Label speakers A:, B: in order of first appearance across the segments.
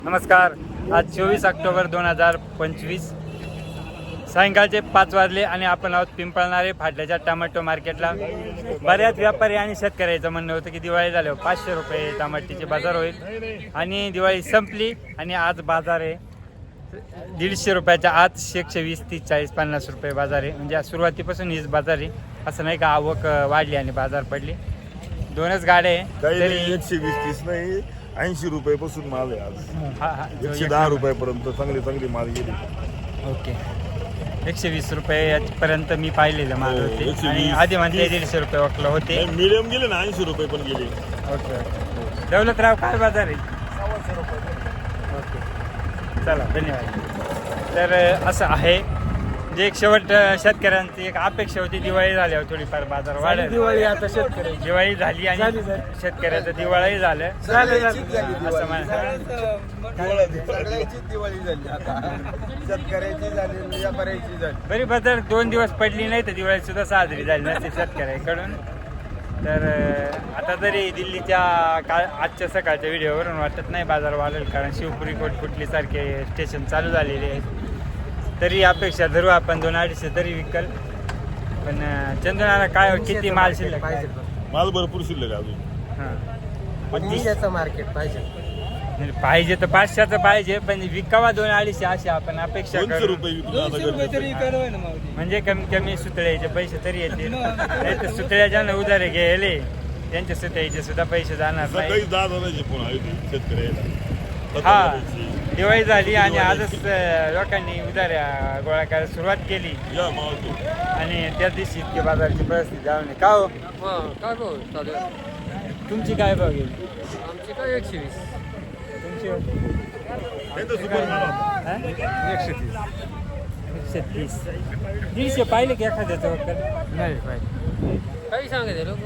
A: नमस्कार. आज 24 ऑक्टोबर 2025 सायंकाळचे 5 वाजले आणि आपण आहोत पिंपळणारे फाटल्याच्या टोमॅटो मार्केटला. बऱ्याच व्यापारी आणि शेतकऱ्याचं म्हणणं होतं की दिवाळी झाल्यावर 500 रुपये टमाट्याचे बाजार होईल आणि दिवाळी संपली आणि आज बाजार आहे 150 रुपयाच्या आत 120, 30, 40, 50 रुपये बाजार आहे. म्हणजे सुरुवातीपासून हीच बाजार आहे, असं नाही का आवक वाढली आणि बाजार पडली. दोनच गाड्या आहे
B: तरी 120-30 नाही 80 रुपयापासून माल आहे आज.
A: हा हा
B: 110 रुपयापर्यंत चांगली माल गेली.
A: ओके. 120 रुपयापर्यंत मी पाहिलेलं माल होते
B: 120,
A: आणि आधी म्हणते 150 रुपये वाटलं होते.
B: मीडियम गेले ना 80 रुपये पण गेले.
A: Okay okay. दौलतराव काय बाजार आहे?
B: 125 रुपये.
A: ओके चला धन्यवाद. तर असं आहे जे एक शेवट शेतकऱ्यांची एक अपेक्षा होती दिवाळी झाल्यावर थोडीफार बाजार वाढेल.
C: दिवाळी आता शेतकरी
A: दिवाळी झाली आणि शेतकऱ्याचं दिवाळी झालं असं म्हणा.
C: सगळ्याची दिवाळी झाली आता शेतकऱ्याची झाली व्यापाऱ्याची झाली.
A: बरी बाजार 2 दिवस पडली नाही तर दिवाळी सुद्धा साजरी झाली नसते शेतकऱ्याकडून. तर आता तरी दिल्लीच्या आजच्या सकाळच्या व्हिडिओवरून वाटत नाही बाजार वाढेल, कारण शिवपुरी कोटपुटली सारखे स्टेशन चालू झालेले आहेत. तरी अपेक्षा धरू आपण 200-250 तरी विकल. पण चंदनाला काय किती माल शिल्लक
C: पाहिजे
B: माल भरपूर शिल्लक आहे अजून.
A: हां
C: पण मार्केट पाहिजे.
A: पाहिजे तर 500चं पाहिजे, पण विकावा 200-250 अशी आपण अपेक्षा
B: 200
A: करू.
B: रुपये विकला आता गरजेचं.
A: म्हणजे कमीत कमी सुतळ्याचे पैसे तरी येतील. नाही तर सुतळ्याच्या उधारे गेले त्यांच्या सुतळ्याचे सुद्धा पैसे जाणार नाही.
B: सकाळी 10 जणांचे फोन आले होते शेतकऱ्याला.
A: हा दिवाळी झाली आणि आजच लोकांनी उधाऱ्या गोळा करायला सुरुवात केली
B: या मावतो.
A: आणि त्याच दिवशी इतकी बाजाराची परिस्थिती जाऊन का हो
D: काय भाऊ चालेल.
A: तुमची काय भाव गेली?
D: आमची काय 120.
A: तुमची
B: त्यांचं सुपर माल होता.
A: हा?
C: 130.
A: 130. 150 पाहिले की एखाद्याचं वगैरे
D: नाही पाहिजे काही सांगायचं लोक.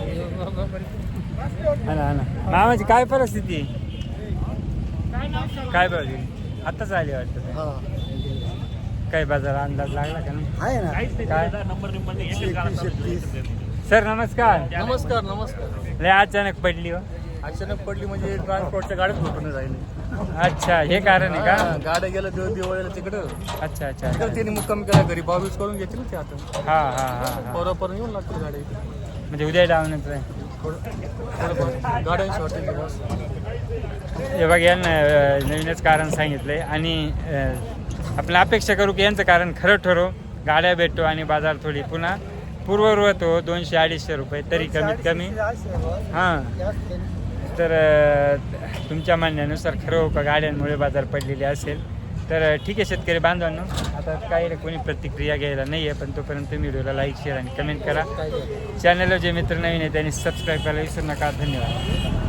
A: हा ना मामाची काय परिस्थिती आहे? काय भाव गेली? आताच आली वाटतं. काय बाजार अंदाज लागला का नाही?
C: आहे ना
A: काय
C: 130.
A: सर नमस्कार.
D: नमस्कार.
A: लय अचानक पडली हो.
C: अचानक पडली म्हणजे ट्रान्सपोर्टच्या गाड्याच भेटून राहिली.
A: अच्छा हे कारण आहे का?
C: गाड्या गेल्या दिवाळीला तिकडं
A: अच्छा अच्छा
C: तिकडं त्यांनी मुक्काम केला घरी 22 करून घेतली ना ते आता
A: हा हा हा हा
C: परवापर्यंत येऊन लागतील गाड्या इथे.
A: म्हणजे उद्या डावण्याचं आहे.
C: गाड्यांची हॉटेल बस.
A: हे बघ यांना नवीनच कारण सांगितलंय आणि आपण अपेक्षा करू की यांचं कारण खरं ठरो, गाड्या भेटतो आणि बाजार थोडी पुन्हा पूर्ववत हो 200-250 रुपये तरी कमीत कमी. हां तर तुमच्या म्हणण्यानुसार खरं हो का गाड्यांमुळे बाजार पडलेले असेल तर ठीक आहे शेतकरी बांधवांनो. आता काही कोणी प्रतिक्रिया घ्यायला नाही आहे, पण तोपर्यंत तुम्ही व्हिडिओला लाईक शेअर आणि कमेंट करा. चॅनलला जे मित्र नवीन आहे त्यांनी सबस्क्राईब करायला विसरू नका. धन्यवाद.